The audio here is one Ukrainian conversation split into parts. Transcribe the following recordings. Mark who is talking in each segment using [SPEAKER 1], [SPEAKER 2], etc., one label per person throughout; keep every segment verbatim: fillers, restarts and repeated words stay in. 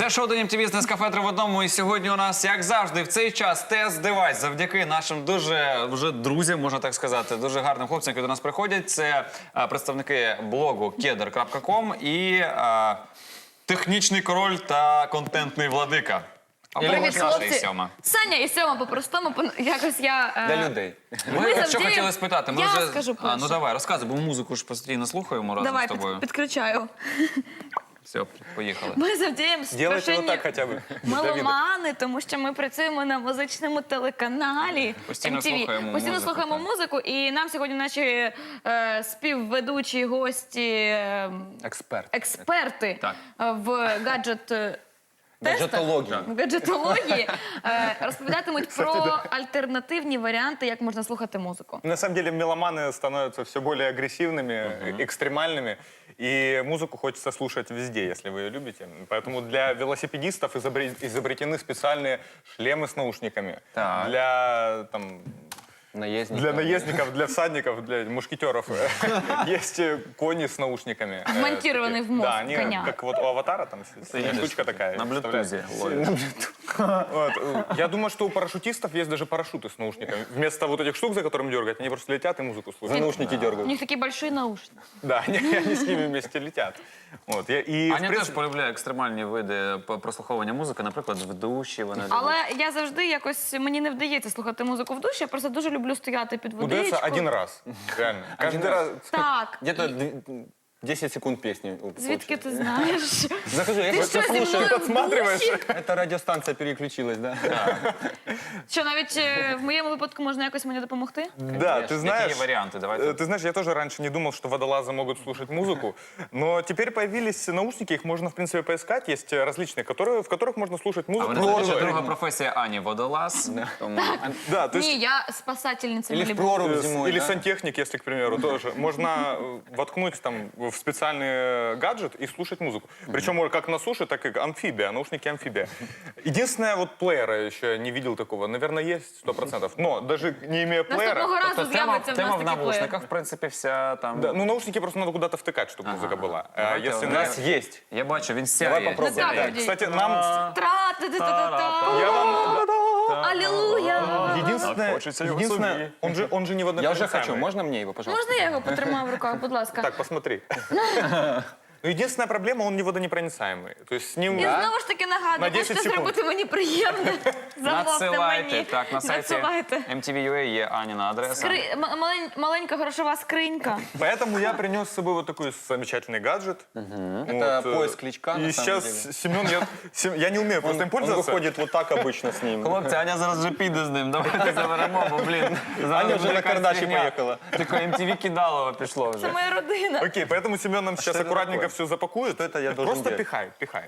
[SPEAKER 1] Це шоу «День ем ті ві» з Нескафе три в одному. І сьогодні у нас, як завжди, в цей час тест-девайс. Завдяки нашим дуже вже друзям, можна так сказати, дуже гарним хлопцям, які до нас приходять. Це а, представники блогу кедр крапка ком і а, технічний король та контентний владика.
[SPEAKER 2] Привіт,
[SPEAKER 1] Саша і
[SPEAKER 2] хлопці.
[SPEAKER 1] Сьома.
[SPEAKER 2] Саня і Сьома по-простому, по- якось я... е,
[SPEAKER 3] Для людей.
[SPEAKER 1] Ми,
[SPEAKER 2] Ми
[SPEAKER 1] що
[SPEAKER 2] завдяємо-
[SPEAKER 1] хотіли спитати? Ми
[SPEAKER 2] Я
[SPEAKER 1] вже...
[SPEAKER 2] скажу
[SPEAKER 1] а, ну
[SPEAKER 2] перше.
[SPEAKER 1] давай, розказуй, бо музику ж постійно слухаємо разом
[SPEAKER 2] Давай,
[SPEAKER 1] з тобою.
[SPEAKER 2] під, підключаю.
[SPEAKER 1] Все, поїхали.
[SPEAKER 2] Ми завдяємо
[SPEAKER 3] Делайте вот
[SPEAKER 2] страшенні
[SPEAKER 3] так хотя бы.
[SPEAKER 2] меломани, тому що ми працюємо на музичному телеканалі
[SPEAKER 1] Постійно
[SPEAKER 2] ем ті ві.
[SPEAKER 1] слухаємо
[SPEAKER 2] Постійно
[SPEAKER 1] музику,
[SPEAKER 2] слухаємо
[SPEAKER 1] так.
[SPEAKER 2] музику, і нам сьогодні наші е, співведучі гості, е,
[SPEAKER 3] Эксперт.
[SPEAKER 2] експерти
[SPEAKER 1] Так.
[SPEAKER 2] е, в гаджет... е, тестах,
[SPEAKER 3] Гаджетології.
[SPEAKER 2] в гаджетології е, розповідатимуть про альтернативні варіанти, як можна слухати музику.
[SPEAKER 4] На самом деле меломаны становятся все более агрессивными, экстремальными, и музыку хочется слушать везде, если вы ее любите. Поэтому для велосипедистов изобре- изобретены специальные шлемы с наушниками.
[SPEAKER 3] Так.
[SPEAKER 4] Для там,
[SPEAKER 3] Наездник.
[SPEAKER 4] для наездников, для всадников, для мушкетеров есть э, кони с наушниками. Э,
[SPEAKER 2] Вмонтированные
[SPEAKER 4] такие.
[SPEAKER 2] в мозг
[SPEAKER 4] Да, они
[SPEAKER 2] коня.
[SPEAKER 4] как вот у аватара, там
[SPEAKER 1] едешь
[SPEAKER 4] штучка такая.
[SPEAKER 1] на блютузе
[SPEAKER 4] вставляешь. Вот. Я думаю, что у парашютистов есть даже парашюты с наушниками. Вместо вот этих штук, за которым дергать, они просто летят и музыку слушают.
[SPEAKER 3] За наушники
[SPEAKER 2] У
[SPEAKER 3] дергают.
[SPEAKER 2] них такі больші наушники.
[SPEAKER 4] Да, они, они с ними вместе летят. Вот. Я, и, в
[SPEAKER 1] Аня теж
[SPEAKER 4] принципе,
[SPEAKER 1] полюбляє екстремальні види по- прослуховування музики, наприклад, в душі вона любить.
[SPEAKER 2] Але я завжди якось, мені не вдається слухати музику в душі, я просто дуже люблю стояти під
[SPEAKER 4] удается
[SPEAKER 2] водичку.
[SPEAKER 4] один раз. Реально. Каждый раз.
[SPEAKER 2] Так,
[SPEAKER 3] Где-то д- десять секунд песни.
[SPEAKER 2] звідки ти знаєш?
[SPEAKER 3] Захожу, я
[SPEAKER 2] Ти
[SPEAKER 3] просто
[SPEAKER 2] що, зі
[SPEAKER 3] слушаю.
[SPEAKER 2] мною в
[SPEAKER 4] подсматриваешь?
[SPEAKER 2] душі?
[SPEAKER 3] Это радиостанция переключилась, да?
[SPEAKER 2] Що навіть е, в моєму випадку можна якось мені допомогти?
[SPEAKER 4] Да, ты
[SPEAKER 1] Які
[SPEAKER 4] знаешь,
[SPEAKER 1] є варіанти?
[SPEAKER 4] э,
[SPEAKER 1] Давайте.
[SPEAKER 4] ты знаешь, я тоже раньше не думал, что водолазы могут слушать музыку, но теперь появились наушники, их можно, в принципе, поискать. Есть э, различные, которые, в которых можно слушать
[SPEAKER 1] А
[SPEAKER 4] музыку.
[SPEAKER 1] вони
[SPEAKER 4] Ну,
[SPEAKER 1] знають, що
[SPEAKER 4] э,
[SPEAKER 1] друга професія Ані – водолаз. Тому...
[SPEAKER 4] Да, то есть...
[SPEAKER 2] Ні, я спасательниця
[SPEAKER 3] Или в
[SPEAKER 2] Малібу.
[SPEAKER 3] прорубь
[SPEAKER 4] Э,
[SPEAKER 3] зимой,
[SPEAKER 4] Или
[SPEAKER 3] да?
[SPEAKER 4] сантехник, если, к примеру, тоже. Можно э, воткнуть там в специальный гаджет и слушать музыку. Причем как на суше, так и амфибия, наушники амфибия. Единственное, вот плеера еще я не видел такого. Наверное, есть сто процентов. Но даже не имея плеера...
[SPEAKER 2] Наступного разу
[SPEAKER 1] Тобто тема,
[SPEAKER 2] з'явиться в
[SPEAKER 1] тема
[SPEAKER 2] нас
[SPEAKER 1] в
[SPEAKER 2] такий плеєр.
[SPEAKER 1] навушниках, в принципі, вся там...
[SPEAKER 4] Да, ну, наушники просто надо куда-то втыкать, чтобы музыка была. А
[SPEAKER 1] Давайте
[SPEAKER 4] если
[SPEAKER 1] у
[SPEAKER 3] У
[SPEAKER 4] на-
[SPEAKER 3] нас есть.
[SPEAKER 1] Я бачу, він
[SPEAKER 3] Давай
[SPEAKER 1] сяє.
[SPEAKER 3] попробуем.
[SPEAKER 2] Так,
[SPEAKER 1] Сяє.
[SPEAKER 2] тоді.
[SPEAKER 4] Кстати, нам...
[SPEAKER 2] Тра-та-та-та-та.
[SPEAKER 4] Я вам...
[SPEAKER 2] Алілуя!
[SPEAKER 4] Единственное,
[SPEAKER 1] хочется его
[SPEAKER 4] единственное
[SPEAKER 1] собі.
[SPEAKER 4] он, же, он же не
[SPEAKER 3] Я уже
[SPEAKER 4] водонепроницаемый.
[SPEAKER 3] хочу. Можно мне его, пожалуйста?
[SPEAKER 2] Можна я його потримаю в руках, будь ласка?
[SPEAKER 4] Так, посмотри. Ну, единственная проблема, он не водонепроницаемый. То есть с ним...
[SPEAKER 2] І знову ж таки
[SPEAKER 4] На
[SPEAKER 2] нагадую,
[SPEAKER 4] десять
[SPEAKER 2] можете
[SPEAKER 4] секунд.
[SPEAKER 2] зробити мені приємне. Замовте
[SPEAKER 1] Надсилайте.
[SPEAKER 2] мені.
[SPEAKER 1] Так, на сайті
[SPEAKER 2] Надсилайте.
[SPEAKER 1] ем ті ві точка ю а є Аніна адреса.
[SPEAKER 2] Скри... м- малень- Маленька грошова скринька.
[SPEAKER 4] Поэтому я принес с собой вот такой замечательный гаджет.
[SPEAKER 3] Это
[SPEAKER 4] Вот,
[SPEAKER 3] поиск
[SPEAKER 4] э,
[SPEAKER 3] кличка,
[SPEAKER 4] И
[SPEAKER 3] на самом
[SPEAKER 4] сейчас Семен, я, Сем- я не умею просто им пользоваться.
[SPEAKER 3] выходит вот так обычно с ним.
[SPEAKER 1] Хлопці, Аня зараз вже піде з ним. Давайте заберемо, бо, блін. зараз
[SPEAKER 3] Аня вже
[SPEAKER 1] буде
[SPEAKER 3] на
[SPEAKER 1] якась
[SPEAKER 3] кардаші
[SPEAKER 1] фігня.
[SPEAKER 3] поїхала.
[SPEAKER 1] Таке ем ті ві кидалово пішло
[SPEAKER 2] Це
[SPEAKER 1] вже.
[SPEAKER 2] моя родина.
[SPEAKER 4] Окей, поэтому Семен нам сейчас
[SPEAKER 3] что это
[SPEAKER 4] аккуратненько
[SPEAKER 3] такое?
[SPEAKER 4] все запакует.
[SPEAKER 3] Что это я должен
[SPEAKER 4] Просто
[SPEAKER 3] делать?
[SPEAKER 4] пихай, пихай.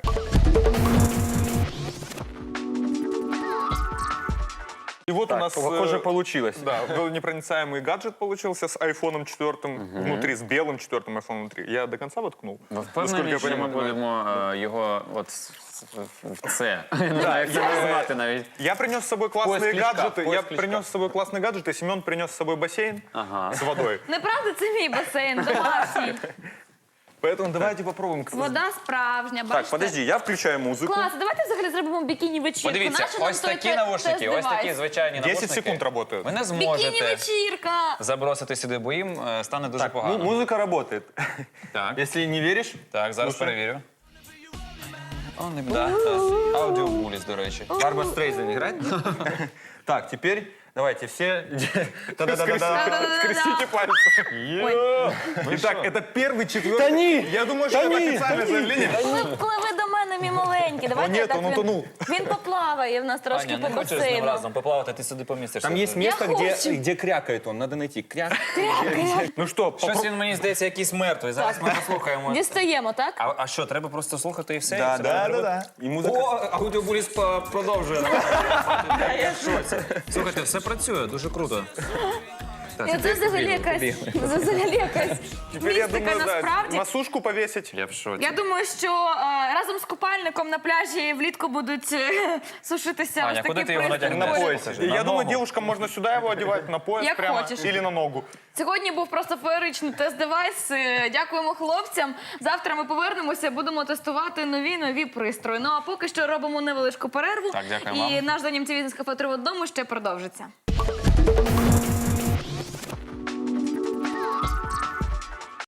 [SPEAKER 4] И вот у нас...
[SPEAKER 3] Похоже,
[SPEAKER 4] э,
[SPEAKER 3] получилось.
[SPEAKER 4] Да, непроницаемый гаджет получился с айфоном четвертым внутри, с белым четвертым айфоном внутри. Я до конца воткнул.
[SPEAKER 1] Ви
[SPEAKER 4] Насколько
[SPEAKER 1] впевнені,
[SPEAKER 4] я
[SPEAKER 1] що ми
[SPEAKER 4] понимаю.
[SPEAKER 1] будемо е, його от в- в це? Не знаю, як це назвати навіть.
[SPEAKER 4] Я принес с собой классные
[SPEAKER 3] Поиск кличка,
[SPEAKER 4] гаджеты.
[SPEAKER 3] поиск
[SPEAKER 4] Я
[SPEAKER 3] кличка.
[SPEAKER 4] принес с собой классные гаджеты. Семен принес с собой бассейн с водой.
[SPEAKER 2] Неправда, це мій басейн домашній.
[SPEAKER 4] Поэтому давайте попробуем.
[SPEAKER 2] Вода справжня, бачите?
[SPEAKER 3] Так, подожди, я включаю музыку.
[SPEAKER 2] Клас, давайте взагалі зробимо бікіні-вечірку.
[SPEAKER 1] Подивіться,
[SPEAKER 2] Нащо нам
[SPEAKER 1] ось
[SPEAKER 2] той
[SPEAKER 1] такі
[SPEAKER 2] те-
[SPEAKER 1] навушники, ось
[SPEAKER 2] тест-девайс?
[SPEAKER 1] такі звичайні
[SPEAKER 4] десять
[SPEAKER 1] навушники.
[SPEAKER 4] секунд работают.
[SPEAKER 1] Ви не зможете
[SPEAKER 2] Бікіні-вечірка!
[SPEAKER 1] забросити сюди, бо їм е, стане дуже
[SPEAKER 3] Так, ну,
[SPEAKER 1] погано.
[SPEAKER 3] музыка работает.
[SPEAKER 1] Так,
[SPEAKER 3] Если не веришь,
[SPEAKER 1] так, зараз
[SPEAKER 3] Слушай.
[SPEAKER 1] перевірю. О, не да, так. Аудіобуліс, до речі.
[SPEAKER 3] Барбара Стрейзен играет? Так, теперь давайте все... Да-да-да-да.
[SPEAKER 4] Скрестите пальцы. Итак, это первый, четвертый.
[SPEAKER 3] Тони!
[SPEAKER 4] Я думаю, что это официальное заявление.
[SPEAKER 2] Пливи до мене, мій маленький. Давайте
[SPEAKER 4] О, ні,
[SPEAKER 2] так
[SPEAKER 4] он
[SPEAKER 2] він-
[SPEAKER 4] утонув.
[SPEAKER 2] Він поплаває в нас трошки
[SPEAKER 1] Аня,
[SPEAKER 2] по
[SPEAKER 1] не хочеш з ним
[SPEAKER 2] басейну.
[SPEAKER 1] разом поплавати, ти сюди помістишся.
[SPEAKER 3] Там есть место,
[SPEAKER 2] Я
[SPEAKER 3] где,
[SPEAKER 2] хочу.
[SPEAKER 3] где крякает он. Надо найти. Кряк.
[SPEAKER 4] Ну что,
[SPEAKER 1] Щось він, мені здається, якийсь мертвий. Зараз ми послухаємо.
[SPEAKER 2] Дістаємо, так?
[SPEAKER 1] А, а що, треба просто слухати і все?
[SPEAKER 3] Да,
[SPEAKER 1] І це
[SPEAKER 3] да,
[SPEAKER 1] треба-
[SPEAKER 3] да, да. И музыка...
[SPEAKER 1] О, аудіобуліс по- продовжує. Я в шоці. Слухайте, все працює, дуже круто.
[SPEAKER 2] І Це взагалі якась, це взагалі якась
[SPEAKER 4] Теперь я
[SPEAKER 2] містика
[SPEAKER 4] думаю, да,
[SPEAKER 2] насправді.
[SPEAKER 4] на сушку повесить.
[SPEAKER 1] Я в шоці.
[SPEAKER 2] Я думаю, що е, разом з купальником на пляжі влітку будуть е, сушитися
[SPEAKER 1] Аня,
[SPEAKER 2] ось такі
[SPEAKER 1] куди ти його
[SPEAKER 2] пристрої.
[SPEAKER 1] натягнеш?
[SPEAKER 4] На
[SPEAKER 1] Ой,
[SPEAKER 4] поясе.
[SPEAKER 1] покажи.
[SPEAKER 4] Я
[SPEAKER 1] На
[SPEAKER 4] думаю,
[SPEAKER 1] ногу.
[SPEAKER 4] девушкам можно сюда его одевать, на пояс
[SPEAKER 2] Як
[SPEAKER 4] прямо
[SPEAKER 2] хочеш.
[SPEAKER 4] или на ногу.
[SPEAKER 2] Сьогодні був просто феєричний тест-девайс. Е, Дякуємо хлопцям. Завтра ми повернемося, будемо тестувати нові нові пристрої. Ну а поки що робимо невеличку перерву.
[SPEAKER 1] Так, дякую
[SPEAKER 2] І
[SPEAKER 1] вам.
[SPEAKER 2] наш занім ці бізнес кафе три в одному ще продовжиться.